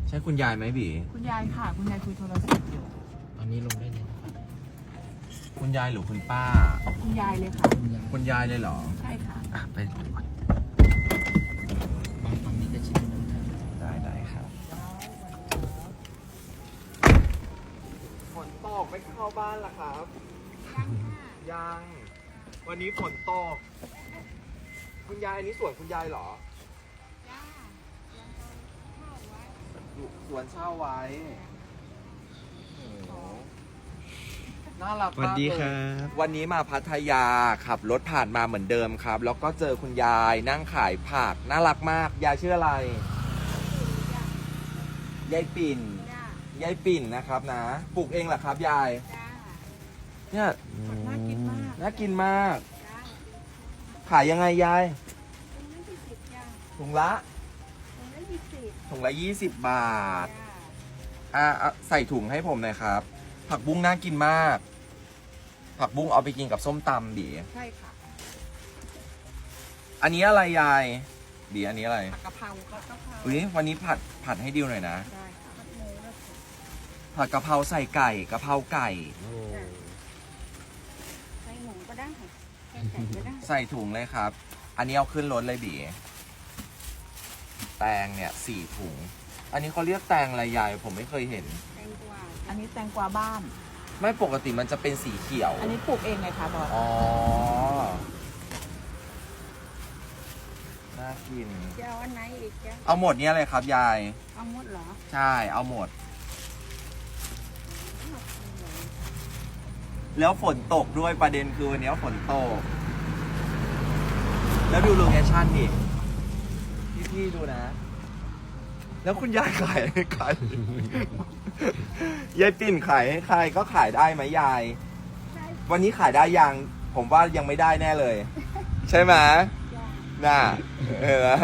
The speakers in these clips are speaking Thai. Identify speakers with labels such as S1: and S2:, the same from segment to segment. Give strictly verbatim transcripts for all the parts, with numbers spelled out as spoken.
S1: ใช่คุณยายไหมบี
S2: คุณยายค่ะ คุณยายคุยโทรศัพท์อยู่
S3: ตอนนี้ลงได้เลยนะครับ
S1: คุณยายหรือคุณป้า
S2: คุณยายเลยค่ะ
S1: คุณยายเลยเหรอ
S2: ใช่ค่ะ
S1: อ่ะไป
S3: บางฝั่งนี้จะชิดกันครับ
S1: ได้ได้ครับฝนตกไม่เข้าบ้านล่ะครับยัง วันนี้ฝนตก คุณยายอันนี้สวนคุณยายเหรอสวนเช่าไว้โอ้โหน่ารัก
S3: สวัส
S1: มาก
S3: ดี
S1: เล
S3: ครั
S1: ย
S3: บ
S1: วันนี้มาพัทยาขับรถผ่านมาเหมือนเดิมครับ แล้วก็เจอคุณยายนั่งขายผักน่ารักมาก ยายชื่ออะไร ยายปิ่น ยายปิ่นนะครับนะ ปลูกเองเหรอครับยาย เนี่ย
S2: น่ากินมาก
S1: น่ากินมาก ขายยังไงยาย ถุงละถุงละยี่สิบบาท อ่ะอ่ะใส่ถุงให้ผมหน่อยครับ ผักบุ้งน่ากินมาก ผักบุ้งเอาไปกินกับส้มตำบี
S2: ใช่ค่ะ
S1: อันนี้อะไรยายบีอันนี้อะไร
S2: ผักกะเพราผัดกะเพรา
S1: อุ้ยวันนี้ผัดผัดให้ดิวหน่อยนะ
S2: ได้ค่ะผัดหมูแล้ว
S1: ผัดกะเพราใส่ไก่กะเพราไก่
S2: ใส่หมูก็ได้ใส่ไก่ก็ได้
S1: ใส่ถุงเลยครับ อันนี้เอาขึ้นรถเลยบีแตงเนี่ยสี่ถุง อันนี้เขาเรียกแตงอะไรยายผมไม่เคยเห็น
S2: แตงกวาอันนี้แตงกวาบ้าน
S1: ไม่ปกติมันจะเป็นสีเขียว
S2: อันนี้ปลูกเองไงคะบอส
S1: อ๋อ น่ากิน
S2: จะเอาอันไหนอีกจ๊ะ
S1: เอาหมดเนี้ยเลยครับยาย
S2: เอาหมดเหรอ
S1: ใช่ เอาหมด แล้วฝนตกด้วยประเด็นคือวันนี้ฝนตก แล้วดูโลเคชั่นดิพี่ๆดูนะ แล้วคุณยายขายให้ใคร ยายปิ่นขายให้ใครก็ขายได้ไหมยาย วันนี้ขายได้ยัง ผมว่ายังไม่ได้แน่เลย ใช่ไหมน่าเออ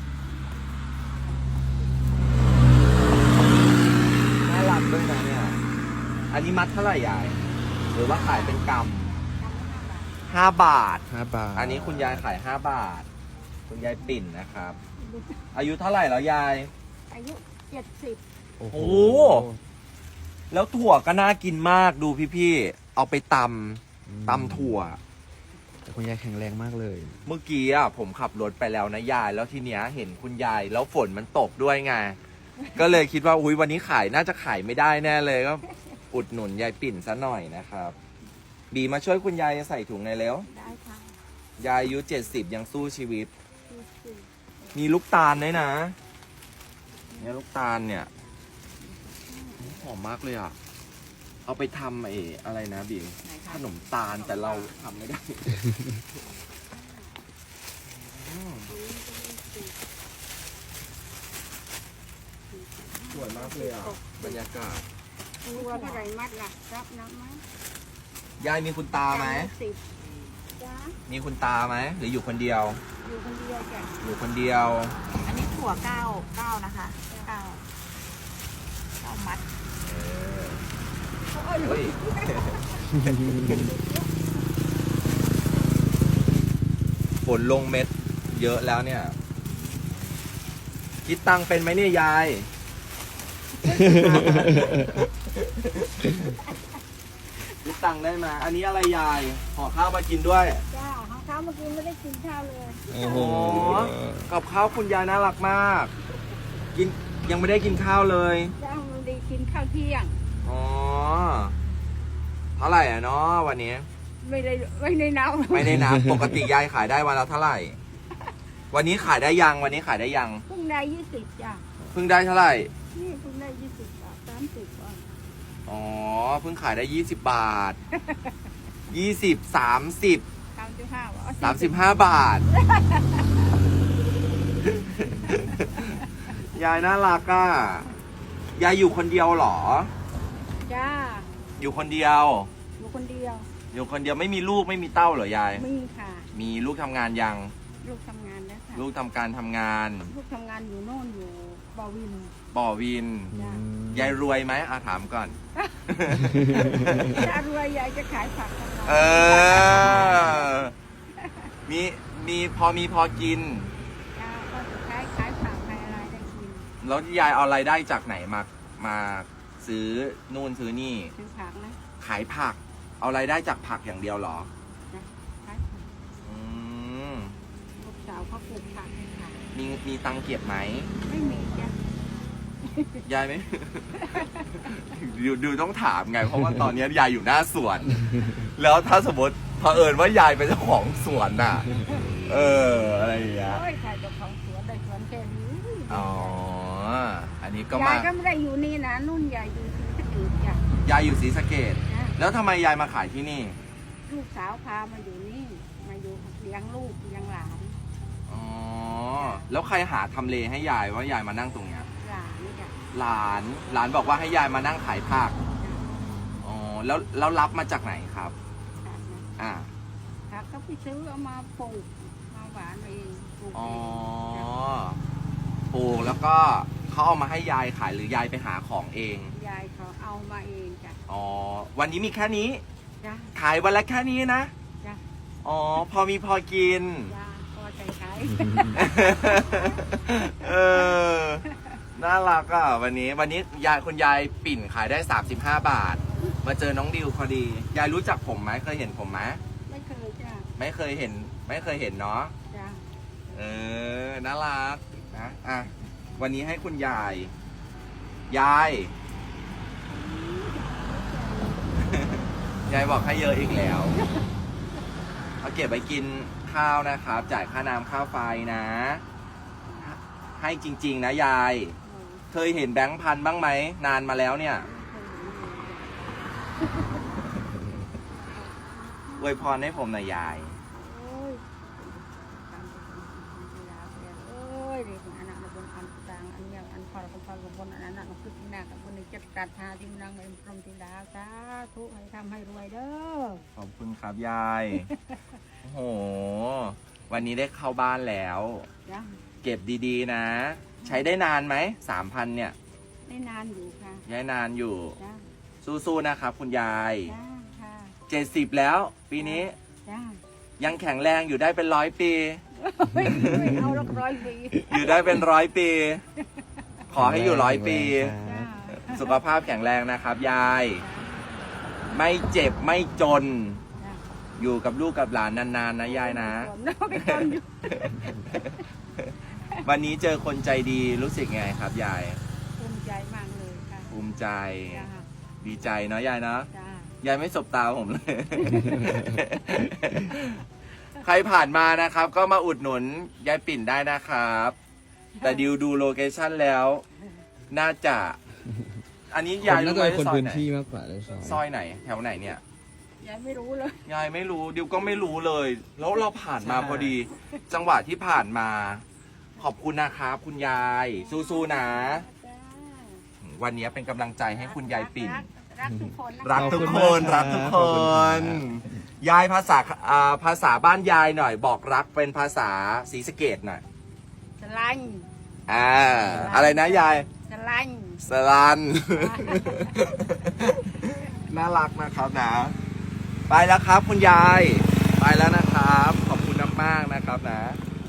S1: น่ารักด้วยนะเนี่ย อันนี้มัดเท่าไหร่ยาย หรือว่าขายเป็นกำห้าบาท
S3: ห้าบาท
S1: อันนี้คุณยายขายห้าบาท คุณยายปิ่นนะครับ อายุเท่าไหร่แล้วยาย
S2: อายุเจ็ดสิบ
S3: โอ้โห
S1: โอ้ แล้วถั่วก็น่ากินมากดูพี่ๆ เอาไปตำตำถั่ว
S3: แต่คุณยายแข็งแรงมากเลย
S1: เมื่อกี้อ่ะผมขับรถไปแล้วนะยาย แล้วทีเนี้ยเห็นคุณยาย แล้วฝนมันตกด้วยไง ก็เลยคิดว่าอุ้ยวันนี้ขายน่าจะขายไม่ได้แน่เลยก็อุดหนุนยายปิ่นซะหน่อยนะครับ บีมาช่วยคุณยายใส่ถุงในอยเร็ว
S2: ได้ค่ะ
S1: ยายอายุเจ็ดสิบยังสู้ชีวิต มีลูกตาลด้วยนะ เนี่ยลูกตาลเนี่ยหอมมากเลยอ่ะ เอาไปทำไอ้อะไรนะบี
S2: ไหนคะ
S1: ขนมตาลแต่เราทำไม่ได้ อืมสวยมากเลยอ่ะ บรรยากาศ
S2: ตัวเท่าไหร่มัดล่ะรับน้ำไหม
S1: ยายมีคุณตาไหม
S2: สิบจ้า
S1: มีคุณตาไหม หรืออยู่คนเดียว
S2: อยู่คนเดียวจ้ะ
S1: อยู่คนเดียว
S2: อันนี้ถั่วเก้าเก้านะคะเก้าเก้ามัด
S1: เฮ้ย ฝนลงเม็ดเยอะแล้วเนี่ย คิดตังค์เป็นไหมเนี่ยยาย คิดตังค์ได้ไหมอันนี้อะไรยายห่อข้าวมากินด้วย
S2: จ้าของเขาเมื่อกี้ไม่ได้กินข้าวเลย
S3: โอ้โห
S1: กับข้าวคุณยายน่ารักมาก กินยังไม่ได้กินข้าวเลย
S2: จ้ามันได้กินข้าวเที่ยง
S1: อ๋อ เท่าไหร่อ่ะเนาะวันนี้
S2: ไม่ได้ไม่ได้นับ
S1: ไม่ได้นับ ปกติยายขายได้วันละเท่าไหร่ วันนี้ขายได้ยัง วันนี้ขายได้ยัง
S2: เพิ่งได้ยี่สิบจ้ะ
S1: เพิ่งได้เท่าไหร่
S2: นี่เพิ่งได้ยี่สิบบาทสามสิบบาท
S1: อ๋อ เพิ่งขายได้ยี่สิบบาท ยี่สิบ สามสิบ
S2: สามสิบห้าบาท
S1: สามสิบห้าบาท ยายน่ารักอ่ะ ยายอยู่คนเดียวเหรอ
S2: จ้า
S1: อยู่คนเดียว
S2: อยู่คนเดียว
S1: อยู่คนเดียวไม่มีลูกไม่มีเต้าเหรอยาย
S2: มีค่ะ
S1: มีลูกทำงานยัง
S2: ลูกทำงานแล้วค่ะ
S1: ลูกทำการทำงาน
S2: ลูกทำงานอยู่โน่นอยู่บอวิน
S1: บ่อวิน
S2: จ้ะ
S1: ยายรวยไหมอาถามก่อน
S2: ถ้ารวยยายจะขายผักของเรา
S1: เออ มีมีพอมีพอกิน
S2: จ้าก็จะขายขายผักขายอะไรได้กิน
S1: แล้วยายเอารายได้จากไหนมามาซื้อนู่นซื้อนี่
S2: ซื้อผักนะ
S1: ขายผัก เอารายได้จากผักอย่างเดียวเหรอ
S2: นะขายผัก
S1: อืม
S2: ลูกสาวเขาปลูกผักให้ขาย
S1: มีมีตังค์เก็บไหม
S2: ไม่มีจ้ะ
S1: ยายไหม ดูดูต้องถามไง เพราะว่าตอนนี้ยายอยู่หน้าสวน แล้วถ้าสมมติเผอิญว่ายายเป็นเจ้าของสวนน่ะ เออ อะไรอย่างเงี้ย
S2: โอ้ยขายเจ้าของสวนได้สวนแค่นี้
S1: อ๋อ อันนี้ก็
S2: ยาม
S1: าย
S2: ก็ไม่ได้อยู่นี่นะนุ่นยายอยู่ที่สะเกดจ้ะ
S1: ยายอยู่ศรีสะเกด
S2: นะ
S1: แล้วทำไมยายมาขายที่นี่
S2: ลูกสาวพามาอยู่นี่มาอยู่เลี้ยงลูกเลี้ยงหลาน
S1: อ๋อ แล้วใครหาทำเลให้ยายว่ายายมานั่งตรงเนี้ย
S2: หลานนี่จ้ะ
S1: หลาน หลานบอกว่าให้ยายมานั่งขายผัก อ๋อ แล้วแล้วรับมาจากไหนครับ
S2: ผักนะ
S1: อ่า
S2: ผักก็ไปซื้อเอามาปลูกมาหวานเองปลูก
S1: อ๋อ
S2: เองจ้ะ
S1: ปลูกแล้วก็เขาเอามาให้ยายขายหรือยายไปหาของเอง
S2: ยายเขาเอามาเองจ้ะ
S1: อ๋อ วันนี้มีแค่นี้
S2: จ้ะ
S1: ขายวันละแค่นี้นะ
S2: จ้ะ
S1: อ๋อ พอมีพอกิน
S2: จ้ะพอใจขาย
S1: เออ น่ารักอ่ะ วันนี้ วันนี้ยายคุณยายปิ่นขายได้สามสิบห้าบาท มาเจอน้องดิวพอดี ยายรู้จักผมไหมเคยเห็นผมไหม
S2: ไม่เคยจ้ะ
S1: ไม่เคยเห็น ไม่เคยเห็นเนาะ
S2: จ้ะ
S1: เออ น่ารักนะ อ่ะ วันนี้ให้คุณยาย ยาย ยายบอกให้เยอะอีกแล้ว เอาเก็บไปกินข้าวนะครับ จ่ายค่าน้ำค่าไฟนะ ให้จริง ๆ นะยาย
S2: โอ้
S1: เคยเห็นแบงค์พันบ้างไหม นานมาแล้วเนี่ย อวยพรให้ผมหน่อยยาย
S2: โอ้ยตามไปคนยาเสียโอ้ยเด็กอันนั้นบนอันต่างอันเนี้ยอันพอเราพอเราบนอันนั้นเราคือที่หน้ากับคนนี้จัดการหาที่นั่งเอ็มพรหมธิดาสาธุให้ทำให้รวยเด้อ
S1: ขอบคุณครับยาย โอ้โห วันนี้ได้เข้าบ้านแล้ว
S2: จ้ะ
S1: เก็บดีๆนะ ใช้ได้นานไหม สามพันเนี่ย
S2: ได้นานอยู่ค่ะ
S1: ย้ายนานอยู่
S2: จ้ะ
S1: สู้ๆนะครับคุณยาย
S2: จ้าค่ะ
S1: เจ็ดสิบแล้ว ปีนี้
S2: จ้า
S1: ยังแข็งแรงอยู่ได้เป็นร้อยปี
S2: ไม่ไม่เอาละร้อยปี
S1: อยู่ได้เป็นร้อยปี ขอให้อยู่ร้อยปี
S2: จ้า
S1: สุขภาพแข็งแรงนะครับยาย ไม่เจ็บไม่จน
S2: จ้า
S1: อยู่กับลูกกับหลานนานๆนะยายนะ
S2: ไม่จนอยู่
S1: วันนี้เจอคนใจดีรู้สึกไงครับยาย
S2: ภูมิใจมากเลยค่ะ
S1: ภูมิใจ
S2: จ้า
S1: ดีใจเนาะยายเนาะ
S2: จ้าย
S1: ายไม่สบตาผมเลย ใครผ่านมานะครับ ก็มาอุดหนุนยายปิ่นได้นะครับ แต่ดิวดูโลเคชั่นแล้ว น่าจะ อันนี้
S3: คน
S1: ยาย
S3: น่า
S1: รู้
S3: จะ
S1: ไหม
S3: เป็นคน
S1: ซอย
S3: พื้น
S1: ไหน
S3: ที่มากกว่าเลยซอย
S1: ซอยไหน แถวไหนเนี่ย
S2: ยายไม่รู้เลย
S1: ยายไม่รู้ดิวก็ไม่รู้เลย แล้วเราผ่านมาพอดี จังหวะที่ผ่านมา ขอบคุณนะครับคุณยาย สู้ๆนะ
S2: จ้า
S1: วันนี้เป็นกำลังใจให้คุณยายปิ่น
S2: รักทุกคนนะ
S1: รักทุกคน
S3: ข
S1: รั
S3: อบ
S1: ก
S3: คุ
S1: ทุก
S3: ณ
S1: ค
S3: มากครับ
S1: น ยายภาษาอ่าภาษาบ้านยายหน่อย บอกรักเป็นภาษาศรีสะเกดหน่อย
S2: สลัน
S1: อ่า อะไรนะยาย
S2: สลัน
S1: สลัน น่ารักนะครับนะ ไปแล้วครับคุณยาย ไปแล้วนะครับ ขอบคุณมากๆนะครับนะ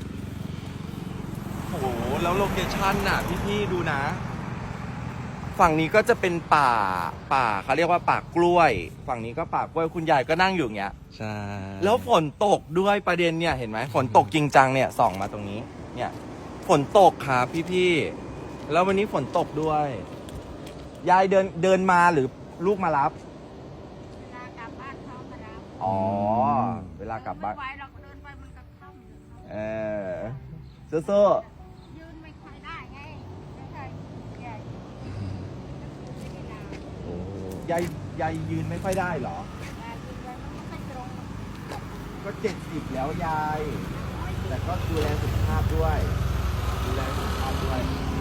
S1: โอ้โห แล้วโลเคชั่นน่ะ พี่ๆดูนะ ฝั่งนี้ก็จะเป็นป่า ป่าเขาเรียกว่าป่ากล้วย ฝั่งนี้ก็ป่ากล้วย คุณยายก็นั่งอยู่อย่างเงี้ย
S3: ใช่
S1: แล้วฝนตกด้วยประเด็นเนี่ยเห็นไหมฝนตกจริงจังเนี่ยส่องมาตรงนี้ เนี่ยฝนตกครับพี่ๆแล้ววันนี้ฝนตกด้วย ยายเดินเดินมาหรือลูกมารับ
S2: เวลากลับบ้านเขามารับ
S1: อ๋อ เวลากลับบ้าน
S2: ไม่ไหวเราก็เดินไปมันก็ค่ำอยู่
S1: เออสู้
S2: ยืนไม่ค่อยได้ไงไม่ใช่ใหญ่ไม่ได้นาน
S3: โอ้
S1: ๆยายยายยืนไม่ค่อยได้เหรอ
S2: แต่ยืนไว้มันไม่ค่อยตรง
S1: ก็เจ็ดสิบแล้วยาย แต่ก็ดูแลสุขภาพด้วย ดูแลสุขภาพด้วย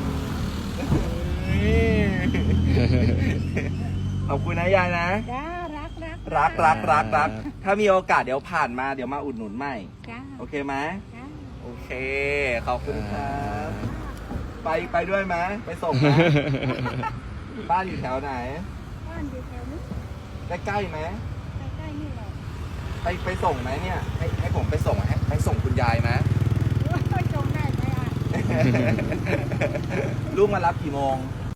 S1: ขอบคุณนะยายนะ
S2: จ้ารักรัก
S1: รักรักรักรักถ้ามีโอกาสเดี๋ยวผ่านมาเดี๋ยวมาอุดหนุนใหม่
S2: จ้า
S1: โอเคไหม
S2: จ้า
S1: โอเค ขอบคุณครับ ไปไปด้วยไหมไปส่งไหม บ้านอยู่แถวไหน
S2: บ้านอยู่แถวนี้
S1: ใกล้ๆไหม
S2: ใกล้ๆนี่แหละ
S1: ไปไปส่งไหมเนี่ย ให้ให้ผมไปส่งให้ไปส่งคุณยายไหม
S2: โอ้ยจงได้ไหมอ่ะ
S1: ลูกมารับกี่โมง